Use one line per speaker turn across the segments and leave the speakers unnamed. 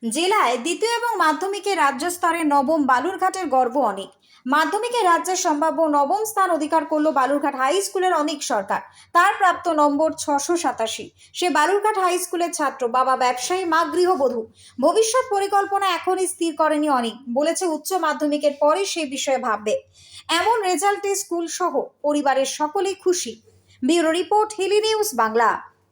জেলায় দ্বিতীয় এবং মাধ্যমিকে রাজ্য স্তরে নবম বালুরঘাটের গর্ব অনেক। মাধ্যমিকে রাজ্যের সম্ভাব্য নবম স্থান অধিকার করল বালুরঘাট হাই স্কুলের অনেক সরকার। তার প্রাপ্ত নম্বর 687। সে বালুরঘাট হাই স্কুলের ছাত্র, বাবা ব্যবসায়ী, মা গৃহবধূ। ভবিষ্যৎ পরিকল্পনা এখনই স্থির করেনি অনেক, বলেছে উচ্চ মাধ্যমিকের পরে সেই বিষয়ে ভাববে। এমন রেজাল্টে স্কুল সহ পরিবারের সকলেই খুশি। Bureau report, Hili news Bangla.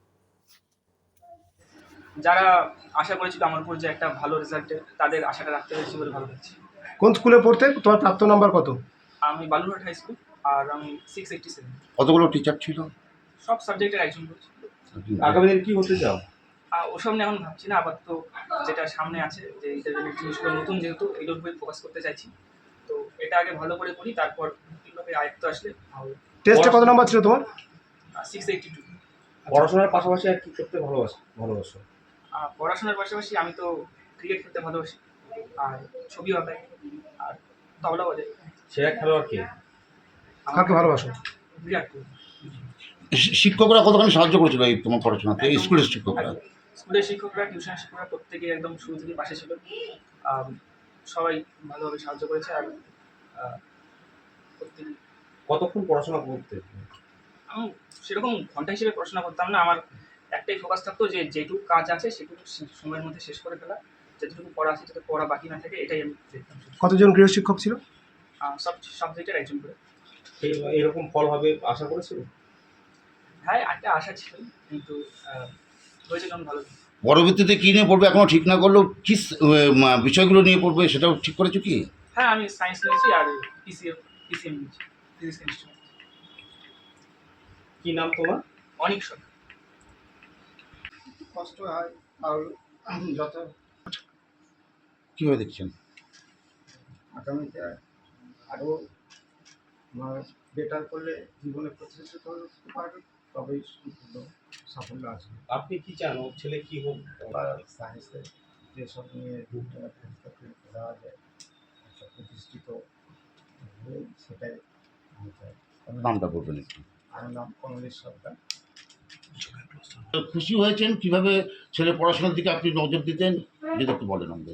যারা আশা করেছিল আমার উপর যে একটা ভালো রেজাল্টে, তাদের আশাটা রাখতে পেরেছি বলে ভালো লাগছে।
কোন স্কুলে পড়তে? তোমার প্রাপ্ত নাম্বার কত?
আমি বালুরঘাট হাই স্কুল, আর আমি 687।
কতগুলো টিচার ছিল?
সব সাবজেক্টের একজন করছি।
আগামী দিনে কি হতে চাও?
ওসব নিয়ে এখন ভাবছি না, আপাতত যেটা সামনে আছে, যে ইন্টারভিউ জিনিসগুলো নতুন, যেহেতু এগুলোর উপরে ফোকাস করতে চাইছি। তো এটা আগে ভালো করে করি, তারপর নতুনভাবে আয়ত্ত আসলে
টেস্টে কত নাম্বার ছিল তোমার?
682।
পড়াশোনার পাশাপাশি আর কি করতে ভালোবাসো?
পড়াশোনার পাশাপাশি আমি তো ক্রিকেট খেলতে ভালোবাসি, আর ছবি আঁকাই, আর তবলা বাজাই।
সেরা খেলোয়াড় কে?
কাকে ভালোবাসো?
বিরাট কোহলি।
শিক্ষকরা কতখানি সাহায্য করেছিল এই তোমার পড়াশোনাতে? এই স্কুলের শিক্ষকরা?
স্কুলের শিক্ষকরা, টিউশনের শিক্ষকরা প্রত্যেকে একদম শুরু থেকে পাশে ছিল। সবাই ভালোভাবে সাহায্য করেছে। আর প্রত্যেকে,
কতক্ষণ পড়াশোনা করতে?
আমি সেরকম ঘন্টা হিসেবে পড়াশোনা করতাম না। আমার একটাই ফোকাস থাকতো যে যেটুকু কাজ আছে সেটুকু সময়ের মধ্যে শেষ করে ফেলা, যেটুকু পড়া আছে যাতে পড়া বাকি না থাকে, এটাই আমি দেখতাম।
কতজন গৃহশিক্ষক ছিল?
সব সাবজেক্টের একজন করে।
এরকম ফল হবে আশা করেছিল?
হ্যাঁ, একটা আশা ছিল, কিন্তু হয়েছে যখন ভালো।
পরবর্তীতে কী নিয়ে পড়বে এখনও ঠিক না করলেও কী বিষয়গুলো নিয়ে পড়বে সেটাও ঠিক করেছো কি?
হ্যাঁ, আমি সায়েন্স নিয়েছি, আর পিসিএম নিয়েছি, ফিজিক্স কেমিস্ট্রি।
কি নাম তোমার?
অনেক সরকার।
কষ্ট হয়, আর যত
কীভাবে দেখছেন?
আগামীতে আরও বেটার করলে জীবনে প্রতিষ্ঠিত হতে পারবে, তবেই সম্পূর্ণ সাফল্য আসবে।
আপনি কি চান ওর ছেলে কি হোক?
বা সায়েন্সে যেসব নিয়ে দেওয়া যায়, একটা প্রতিষ্ঠিত হয়ে সেটাই আমি চাই।
নামটা বলবেন একটু।
আমার নাম কমলেশ সরকার।
খুশি হয়েছেন কিভাবে ছেলে পড়াশোনার দিকে আপনি নজর দিতেন, যদি একটু বলেন আমাদের।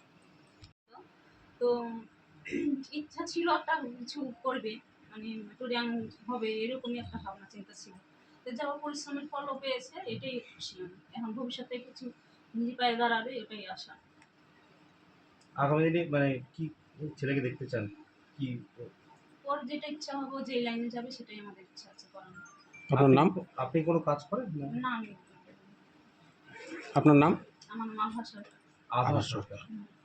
তো ইচ্ছা ছিল একটা কিছু করবে, মানে টোরিয়ান হবে, এরকমই একটা ভাবনা চিন্তা ছিল। তো যাওয়া পরিশ্রমের ফলও পেয়েছে, এটাই খুশি আমি। এখন ভবিষ্যতে কিছু নিজে পায়ে দাঁড়াবে, এটাই আশা।
আগামী দিনে মানে কি ছেলেকে দেখতে চান? কি
ওর যেটা ইচ্ছা হবে, যে লাইনে যাবে, সেটাই আমাদের ইচ্ছা আছে করানো।
আপনার নাম?
আপনি কোনো কাজ করেন না?
না, আমি
আপনার নাম?
আমার মা ভাষা।
আধার সরকার।